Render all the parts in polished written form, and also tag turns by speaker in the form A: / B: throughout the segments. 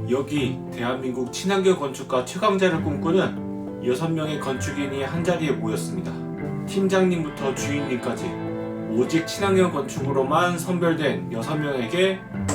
A: 여기 대한민국 친환경 건축가 최강자를 꿈꾸는 6명의 건축인이 한자리에 모였습니다. 팀장님부터 주인님까지 오직 친환경 건축으로만 선별된 6명에게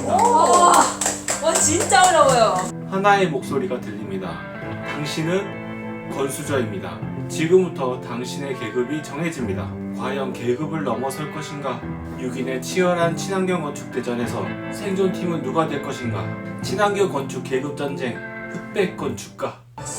B: 와 진짜 어려워요.
A: 하나의 목소리가 들립니다. 당신은 건수저입니다. 지금부터 당신의 계급이 정해집니다. 과연 계급을 넘어설 것인가? 6인의 치열한 친환경 건축 대전에서 생존팀은 누가 될 것인가? 친환경 건축 계급 전쟁 흑백 건축가. 박수.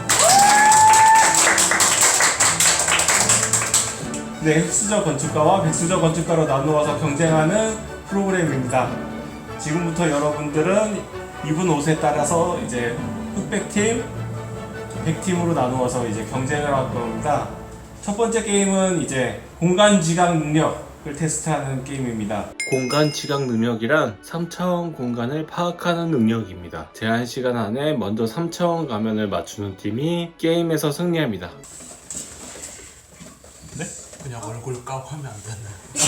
A: 네, 흑수저 건축가와 백수저 건축가로 나누어서 경쟁하는 프로그램입니다. 지금부터 여러분들은 입은 옷에 따라서 이제 흑백팀, 백팀으로 나누어서 이제 경쟁을 할 겁니다. 첫 번째 게임은 이제 공간 지각 능력을 테스트하는 게임입니다. 공간 지각 능력이란 3차원 공간을 파악하는 능력입니다. 제한 시간 안에 먼저 3차원 가면을 맞추는 팀이 게임에서 승리합니다. 네?
C: 그냥 얼굴 까고 하면 안 되나요?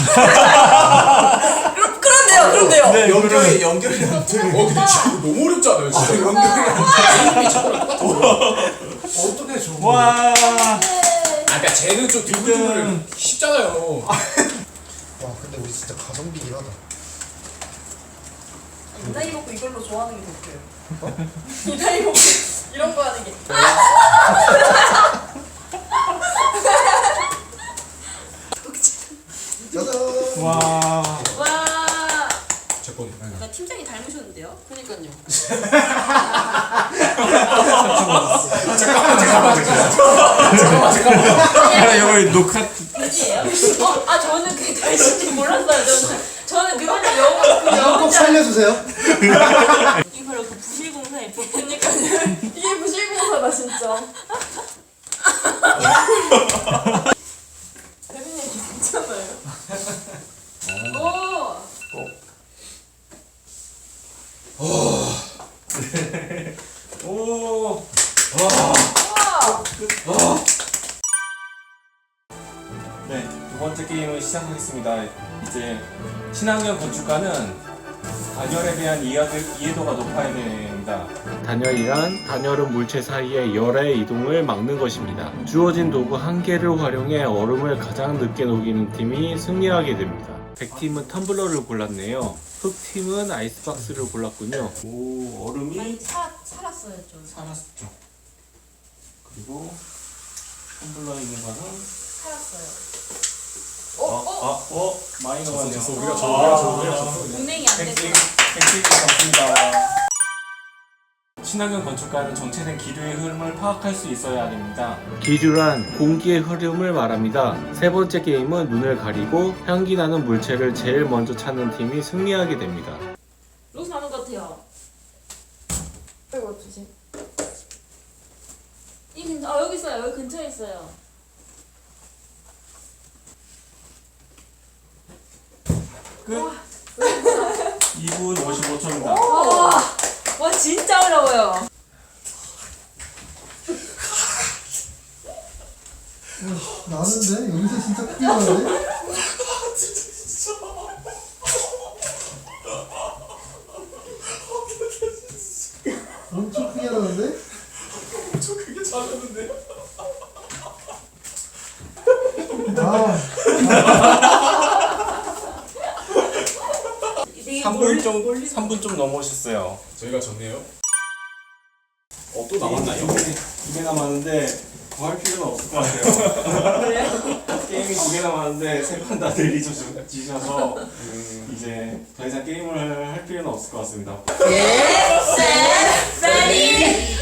B: 그런데요.
A: 네,
C: 연결이 안 돼. 근데 지금 너무 어렵잖아요. 진짜 연결이 안 돼. 어떻게 저거?
A: 와.
C: 그러니까 쟤는 좀 두근두근 쉽잖아요.
D: 와 근데 우리 진짜 가성비긴 하다.
B: 이 나이 먹고 이걸로 좋아하는 게 더 웃겨요. 이 나이 먹고 이런 거 하는 게.
D: 짜잔.
A: 와.
B: 와.
C: 제 건.
B: 나 팀장이 닮으셨는데요? 그니까요.
A: 잠깐만. 이거 녹화.
B: 돼지예요? 저는 그게 돼지인지 몰랐어요. 저는 그거는 영어
D: 꼭 살려주세요.
B: 이게 바로 그 부실공사의 부분이니까요. 이게 부실공사다 진짜. 대빈님 괜찮아요.
A: 오. 네, 두 번째 게임을 시작하겠습니다. 이제 친환경 건축가는 단열에 대한 이해도가 높아야 됩니다. 단열이란 단열은 물체 사이의 열의 이동을 막는 것입니다. 주어진 도구 한 개를 활용해 얼음을 가장 늦게 녹이는 팀이 승리하게 됩니다. 백팀은 텀블러를 골랐네요. 흑팀은 아이스박스를 골랐군요. 오, 얼음이
B: 살았어요 좀.
A: 살았죠. 그리고 텀블러에 있는 거는
B: 살았어요.
A: 많이 넘어갔네요.
C: 우리가 저
B: 운행이 안
A: 백팀
B: 됐구나.
A: 잡습니다. 친환경 건축가는 정체된 기류의 흐름을 파악할 수 있어야 됩니다. 기류란 공기의 흐름을 말합니다. 세 번째 게임은 눈을 가리고 향기 나는 물체를 제일 먼저 찾는 팀이 승리하게 됩니다.
B: 로스 나는 것 같아요. 이거 조심. 여기 있어요. 여기 근처에 있어요.
A: 끝. 2분 55초입니다.
B: 와 진짜 어려워요.
D: 나는데 여기서 진짜 크게 나네. 엄청 크게 나는데?
C: 저 그게 잘하는데.
D: 아
A: 3분 좀 넘으셨어요.
C: 저희가 졌네요. 또 남았나요?
A: 두 개 남았는데 더 할 필요는 없을 것 같아요. 게임이 두 개 남았는데 세 판 다 내리셔서 이제 더 이상 게임을 할 필요는 없을 것 같습니다.
B: 레디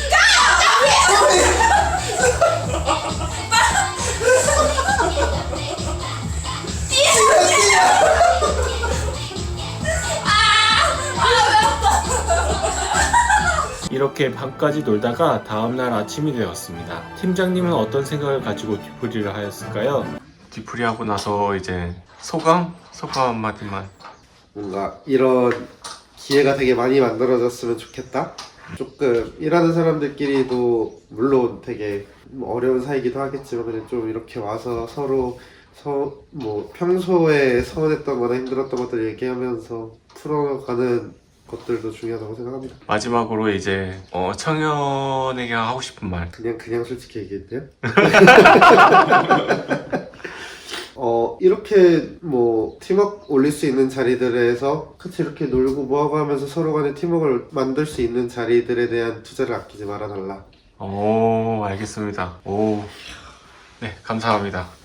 A: 이렇게 밤까지 놀다가 다음날 아침이 되었습니다. 팀장님은 어떤 생각을 가지고 뒤풀이를 하였을까요? 뒤풀이하고 나서 이제 소감 한마디만.
D: 뭔가 이런 기회가 되게 많이 만들어졌으면 좋겠다. 조금 일하는 사람들끼리도 물론 되게 어려운 사이기도 하겠지만 그냥 좀 이렇게 와서 서로 뭐 평소에 서운했던 거나 힘들었던 것들 얘기하면서 풀어가는 것들도 중요하다고 생각합니다.
A: 마지막으로 이제 청년에게 하고 싶은 말.
D: 그냥 솔직히 얘기해도 돼요? 이렇게 뭐 팀워크 올릴 수 있는 자리들에서 같이 이렇게 놀고 뭐하고 하면서 서로 간에 팀워크를 만들 수 있는 자리들에 대한 투자를 아끼지 말아달라.
A: 오, 알겠습니다. 오, 네, 감사합니다.